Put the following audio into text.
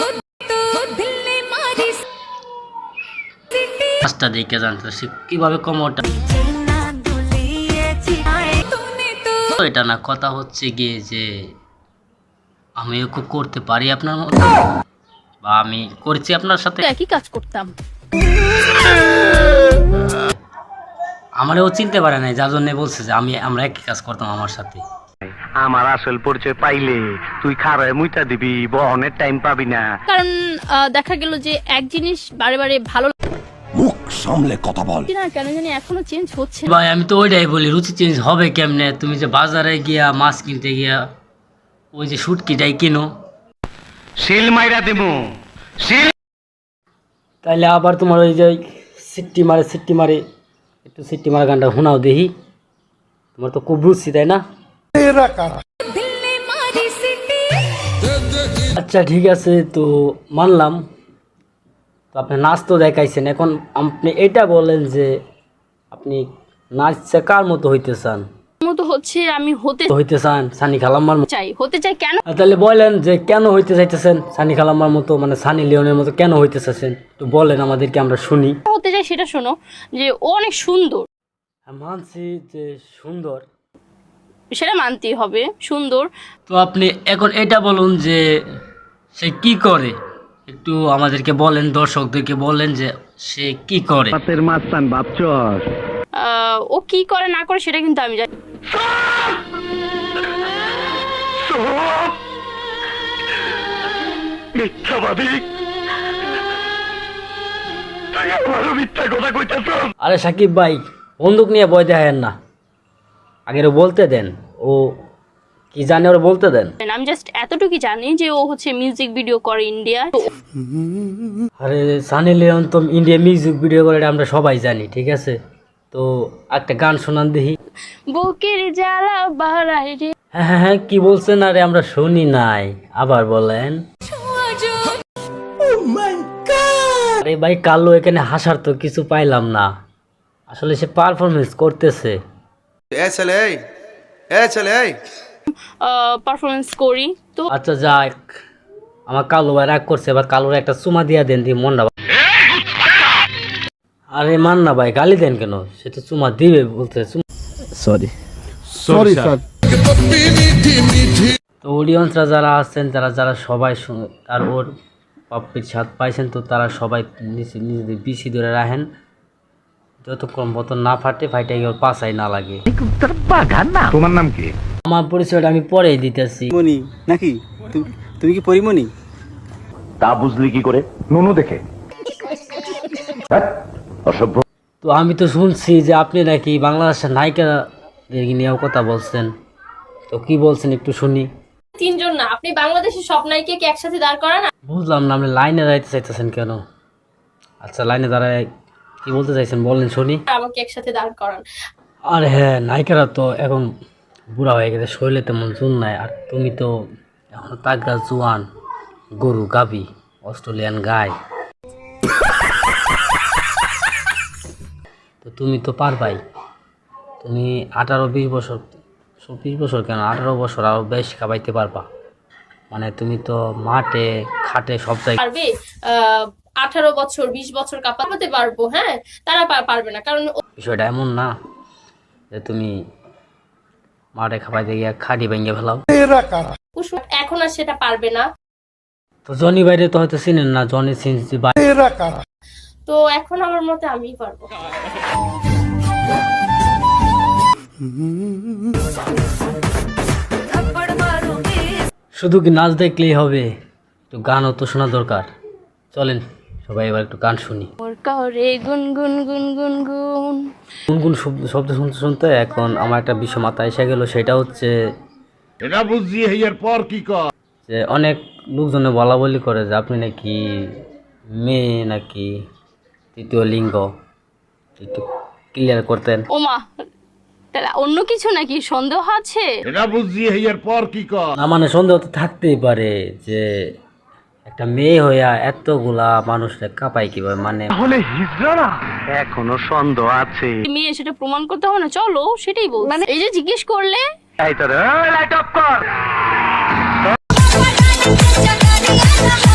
কাজটা দেখে জানতো সে কিভাবে কোমরটা, এটা না কথা হচ্ছে গিয়ে যে আমিও খুব করতে পারি আপনার মতো, বা আমি করছি আপনার সাথে একই কাজ করতাম। আমারও চিনতে পারে নাই, যার জন্য বলছে যে আমরা একই কাজ করতাম আমার সাথে। আমার আসল পরিচয় পাইলে তুই খারায় মুইটা দিবি, বহনের টাইম পাবি না। কারণ দেখা গেল যে এক জিনিস বারে বারে ভালো মুখ সামলে কথা বল না, কেন জানি এখনো চেঞ্জ হচ্ছে না। ভাই আমি তো ওইটাই বলি, রুচি চেঞ্জ হবে কেমনে? তুমি যে বাজারে গিয়া মাছ কিনতে গিয়া ওই যে শুটকিটাই কিনো, শিল মাইরা দিমু শিল। তাইলে আবার তোমার ওই যে সিট্টি মারে একটু সিট্টি মারা গানটা শোনাও দেখি। তোমার তো খুব রুচি, তাই না? আচ্ছা ঠিক আছে, তো মানলাম। তো আপনি নাচ তো দেখাইছেন, এখন আপনি এটা বলেন যে আপনি নাচছে কার মতো হইতে চান? মতো হচ্ছে আমি হইতে চান সানি খালাম্মার মতো? হতে চাই। কেন? তাহলে বলেন যে কেন হইতে চাইতেছেন সানি খালাম্মার মতো, মানে সানি লিওনের মতো কেন হইতে চাচ্ছেন? একটু বলেন আমাদেরকে, আমরা শুনি। হতে চাই সেটা শোনো, যে ও অনেক সুন্দর। মানছি যে সুন্দর, সেটা মানতেই হবে, সুন্দর। তো আপনি এখন এটা বলুন যে সে কি করে, একটু আমাদেরকে বলেন, দর্শকদেরকে বলেন যে সে কি করে। হাতের মাস্তান ভাবছস? ও কি করে না করে সেটা কিন্তু আমি জানি। মিথ্যাবাদী, তুই আমারও মিথ্যা কথা কইতেছ। আরে সাকিব ভাই, বন্দুক নিয়ে ভয় দেখেন না, আগের বলতে দেন, ও কি জানে ওরা বলতে দেন। আমি জাস্ট এতটুকু জানি যে ও হচ্ছে মিউজিক ভিডিও করে ইন্ডিয়া। আরে সানি লিওন তো ইন্ডিয়া মিউজিক ভিডিও করে, এটা আমরা সবাই জানি, ঠিক আছে? তো একটা গান শোনান দেখি। বুকের জ্বালা বাড়ায় রে। হ্যাঁ হ্যাঁ হ্যাঁ, কি বলছেন? আরে আমরা শুনি নাই, আবার বলেন। আরে ভাই কালো, এখানে হাসার তো কিছু পাইলাম না, আসলে সে পারফরমেন্স করতেছে। পারফরমেন্স করি তো। আচ্ছা যাক, আমার কালো ভাই রাগ করছে, এবার কালোর একটা চুমা দিয়া দেন, দিয়ে মনটা। আরে মান না ভাই, গালি দেন কেন? সে তো চুমা দিবে বলতে। Sorry sir. তো অডিয়েন্সরা যারা আছেন, যারা সবাই আর ওর পাপ্পির স্বাদ পাইছেন, তো তারা সবাই নিজেদের বিসি ধরে রাখেন, যতক্ষণ মতন না ফাইটে ওর পাশাই না লাগে। তোমার নাম কি? আমার পরিচয়টা আমি পরেই দিতেছি। মনি নাকি? তুমি কি পরিমণি? তা বুঝলি কি করে? নুনু দেখে। অসভ্য। তো আমি তো শুনছি যে আপনি নাকি বাংলাদেশের নায়িকা নিয়েও কথা বলছেন, তো কি বলছেন একটু শুনি। তিনজন না, আপনি বাংলাদেশের সব নায়িকাকে একসাথে দাঁড় করান। বুঝলাম না, আপনি লাইনে দাঁড়াইতে চাইতেছেন কেন? আচ্ছা লাইনে দাঁড়ায় কি বলতে চাইছেন বলেন শুনি। আমাকে একসাথে দাঁড় করান। আর হ্যাঁ, নায়িকারা তো এখন বুড়া হয়ে গেছে, শরীরে তেমন চুন নাই, আর তুমি তো এখন তাগড়া জোয়ান, গরু গাবি, অস্ট্রেলিয়ান গাই, তো তুমি তো পারবাই। তুমি 18-20 বছর, 20 বছর কেন, 18 বছর আরো বেশ খাবাইতে পারবা, মানে তুমি তো মাঠে খাটে সব জায়গায় পারবে। 18 বছর 20 বছর কাঁপাতে পারবো, হ্যাঁ তারা পারবে না, কারণ বিষয়টা এমন না যে তুমি মাঠে খাবাইতে গিয়ে খাটি ভেঙে ফেলাও। এখন আর সেটা পারবে না। তো জনি বাইরে তো হয়তো চিনেন না, জনি সিনস তো এখন আমার মতে আমিই পারবো। শুধু কি নাচ দেখলেই হবে? একটু গানও তো শোনা দরকার। চলেন সবাই এবার একটু গান শুনি। গুনগুন গুনগুন গুন গুনগুন শব্দ শুনতে শুনতে এখন আমার একটা বিষয় মাথায় এসে গেল, সেটা হচ্ছে এটা বুঝছি এর পর কি কর? যে অনেক লোকজনে বলা বলি করে যে আপনি নাকি মেয়ে নাকি তৃতীয় লিঙ্গ, একটু ক্লিয়ার করতেন। ওমা, তাহলে অন্য কিছু নাকি সন্দেহ আছে? এটা বুঝছি এর পর কি কর? না মানে সন্দেহ তো থাকতেই পারে যে একটা মেয়ে হইয়া এতগুলা মানুষকে কাঁপাই কিভাবে, মানে তাহলে হিজড়া এখনো সন্দেহ আছে। মেয়ে সেটা প্রমাণ করতে হবে না, চলো সেটাই বল। মানে এই যে জিজ্ঞেস করলে এই তো লাইট অফ কর।